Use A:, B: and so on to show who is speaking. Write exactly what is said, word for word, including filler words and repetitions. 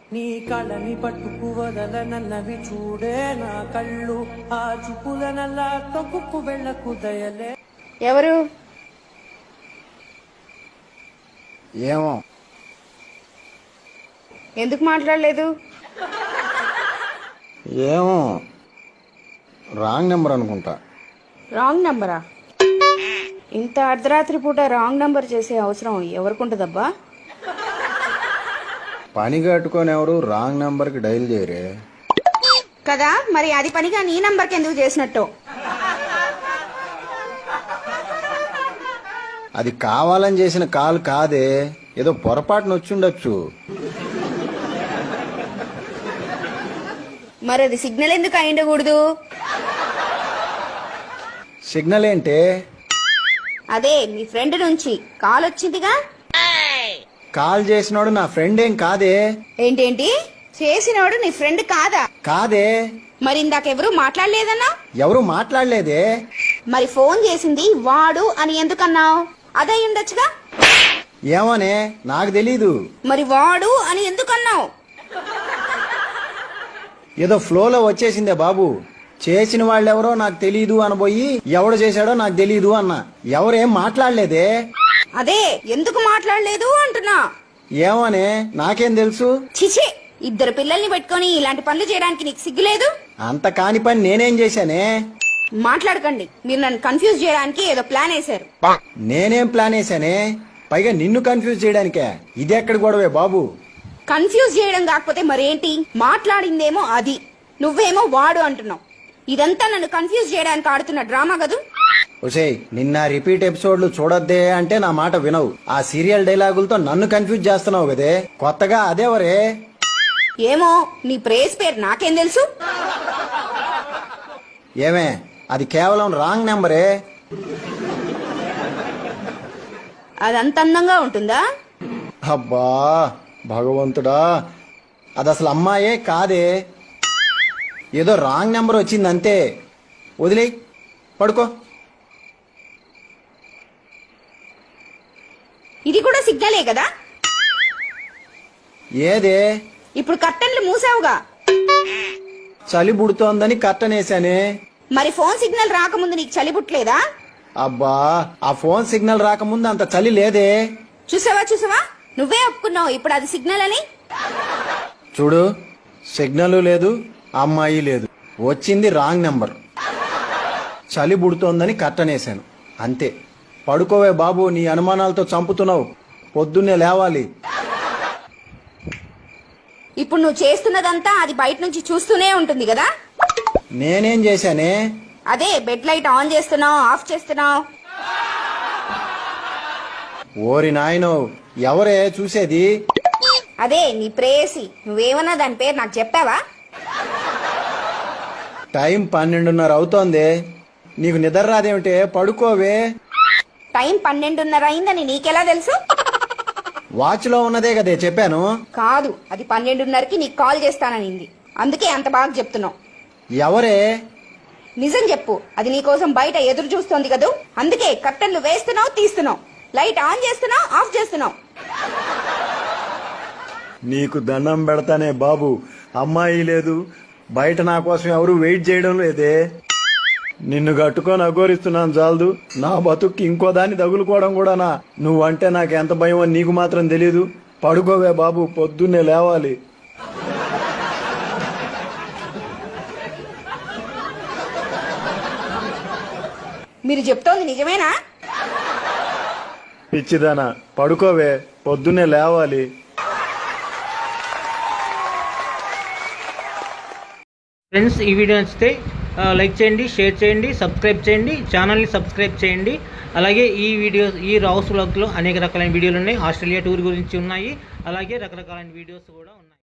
A: నీ కళని పట్టుకు వదలనన్నవి చూడే నా కళ్ళు, ఆ చూపుల నల్లా తొక్కుకు వెళ్ళకు దయలే.
B: ఎవరు?
C: ఏమో.
B: ఎందుకు మాట్లాడలేదు?
C: ఏమో, రాంగ్ నెంబర్ అనుకుంటా.
B: రాంగ్ నెంబరా? ఇంత అర్ధరాత్రి పూట రాంగ్ నెంబర్ చేసే అవసరం ఎవరికి ఉంటుందబ్బా?
C: పని కట్టుకొని ఎవరు రాంగ్ నెంబర్కి డైల్ చేయరే
B: కదా, మరి అది పనిగా నీ నంబర్కి ఎందుకు చేసినట్టు?
C: అది కావాలని చేసిన కాల్ కాదే, ఏదో పొరపాటున వచ్చుండొచ్చు.
B: మరి అది సిగ్నల్ ఎందుకు అయిండకూడదు?
C: సిగ్నల్ ఏంటే?
B: అదే మీ ఫ్రెండ్ నుంచి కాల్ వచ్చిందిగా.
C: కాల్ చేసినోడు నా ఫ్రెండ్ ఏం కాదే.
B: ఏంటేంటి? చేసినోడు నీ ఫ్రెండ్ కాదా?
C: కాదే.
B: మరి ఇందాకెవరు మాట్లాడలేదన్నా?
C: ఎవరు మాట్లాడలేదే.
B: మరి ఫోన్ చేసింది వాడు అని ఎందుకన్నావు? అదే ఉండొచ్చుగా.
C: ఏమోనే, నాకు తెలీదు.
B: మరి వాడు అని ఎందుకన్నావు?
C: ఏదో ఫ్లోలో వచ్చేసిందే బాబు. చేసిన వాళ్ళెవరో నాకు తెలీదు అనబోయి ఎవడు చేశాడో నాకు తెలీదు అన్న. ఎవరేం మాట్లాడలేదే.
B: అదే ఎందుకు మాట్లాడలేదు అంటున్నా.
C: ఏమోనే, నాకేం తెలుసు.
B: చిచి, ఇద్దరు పిల్లల్ని పెట్టుకొని ఇలాంటి పనులు చేయడానికి నీకు సిగ్గులేదు?
C: అంత కాని పని నేనేం చేశానే?
B: మాట్లాడకండి, మీరు నన్ను కన్ఫ్యూజ్ చేయడానికి ఏదో ప్లాన్ వేశారు.
C: నేనేం ప్లాన్ వేశానే? పైగా నిన్ను కన్ఫ్యూజ్ చేయడానికే. ఇది ఎక్కడి గొడవే బాబు?
B: కన్ఫ్యూజ్ చేయడం కాకపోతే మరేంటి? మాట్లాడిందేమో అది, నువ్వేమో వాడు అంటున్నావు. ఇదంతా నన్ను కన్ఫ్యూజ్ చేయడానికి ఆడుతున్న డ్రామా కదూ.
C: ఒసేయ్, నిన్న రిపీట్ ఎపిసోడ్లు చూడొద్దే అంటే నా మాట వినవు. ఆ సీరియల్ డైలాగులతో నన్ను కన్ఫ్యూజ్ చేస్తున్నావు కదే. కొత్తగా అదేవరే?
B: ఏమో, నీ ప్రేస్ పేరు నాకేం తెలుసు?
C: ఏమే, అది కేవలం రాంగ్ నెంబరే.
B: అదంత అందంగా ఉంటుందా?
C: అబ్బా భగవంతుడా, అది అసలు అమ్మాయే కాదే. ఏదో రాంగ్ నెంబర్ వచ్చింది అంతే. వదిలేయ్, పడుకో.
B: ఇది కూడా సిగ్నలే కదా.
C: ఏదే?
B: ఇప్పుడు కర్టన్లు మూసావుగా.
C: చలి పుడుతోందని కట్టనేశానే.
B: మరి ఫోన్ సిగ్నల్ రాకముందు నీకు చలి పుట్టలేదా?
C: అబ్బా, ఆ ఫోన్ సిగ్నల్ రాకముందు అంత చలి లేదే.
B: చూసావా చూసావా, నువ్వే ఒప్పుకున్నావు ఇప్పుడు అది సిగ్నల్ అని.
C: చూడు, సిగ్నల్ లేదు, అమ్మాయి లేదు, వచ్చింది రాంగ్ నెంబర్. చలి పుడుతోందని కట్టనేశాను అంతే. పడుకోవే బాబు, నీ అనుమానాలతో చంపుతున్నావు. పొద్దున్నే లేవాలి.
B: ఇప్పుడు నువ్వు చేస్తున్నదంతా అది బయట నుంచి చూస్తూనే ఉంటుంది కదా.
C: నేనేం చేశానే?
B: అదే బెడ్ లైట్ ఆన్ చేస్తున్నావు, ఆఫ్ చేస్తున్నావు.
C: ఓరి నాయనో, ఎవరే చూసేది?
B: అదే నీ ప్రేయసి. నువ్వేమన్నా దాని పేరు నాకు చెప్పావా?
C: టైం పన్నెండున్నర అవుతోంది. నీకు నిద్ర రాదేమిటే? పడుకోవే.
B: టైం పన్నెండున్నర అయిందని నీకెలా తెలుసు?
C: వాచ్ లో ఉన్నదే కదే చెప్పాను.
B: కాదు, అది పన్నెండున్నరకి నీకు కాల్ చేస్తాననింది, అందుకే అంత బాగా చెప్తున్నావు.
C: ఎవరే?
B: నిజం చెప్పు, అది నీకోసం బయట ఎదురు చూస్తోంది కదూ. అందుకే కర్టన్లు వేస్తున్నావు, తీస్తున్నావు, లైట్ ఆన్ చేస్తున్నావు, ఆఫ్ చేస్తున్నావు.
C: నీకు దండం పెడతానే బాబు, అమ్మాయి లేదు, బయట నా కోసం ఎవరు వెయిట్ చేయడం లేదే. నిన్ను కట్టుకొని అఘోరిస్తున్నాను చాలదు, నా బతుక్కి ఇంకో దాన్ని తగులుకోవడం కూడానా? నువ్వంటే నాకు ఎంత భయమో నీకు మాత్రం తెలీదు. పడుకోవే బాబు, పొద్దున్నే లేవాలి.
B: మీరు చెప్తోంది నిజమేనా?
C: పిచ్చిదానా, పడుకోవే, పొద్దున్నే లేవాలి.
D: ఫ్రెండ్స్, ఈ వీడియో నచ్చితే లైక్ చేయండి, షేర్ చేయండి, సబ్స్క్రైబ్ చేయండి, ఛానల్ని సబ్స్క్రైబ్ చేయండి. అలాగే ఈ వీడియో ఈ రావుస్ వ్లాగ్లో అనేక రకాలైన వీడియోలు ఉన్నాయి. ఆస్ట్రేలియా టూర్ గురించి ఉన్నాయి, అలాగే రకరకాలైన వీడియోస్ కూడా ఉన్నాయి.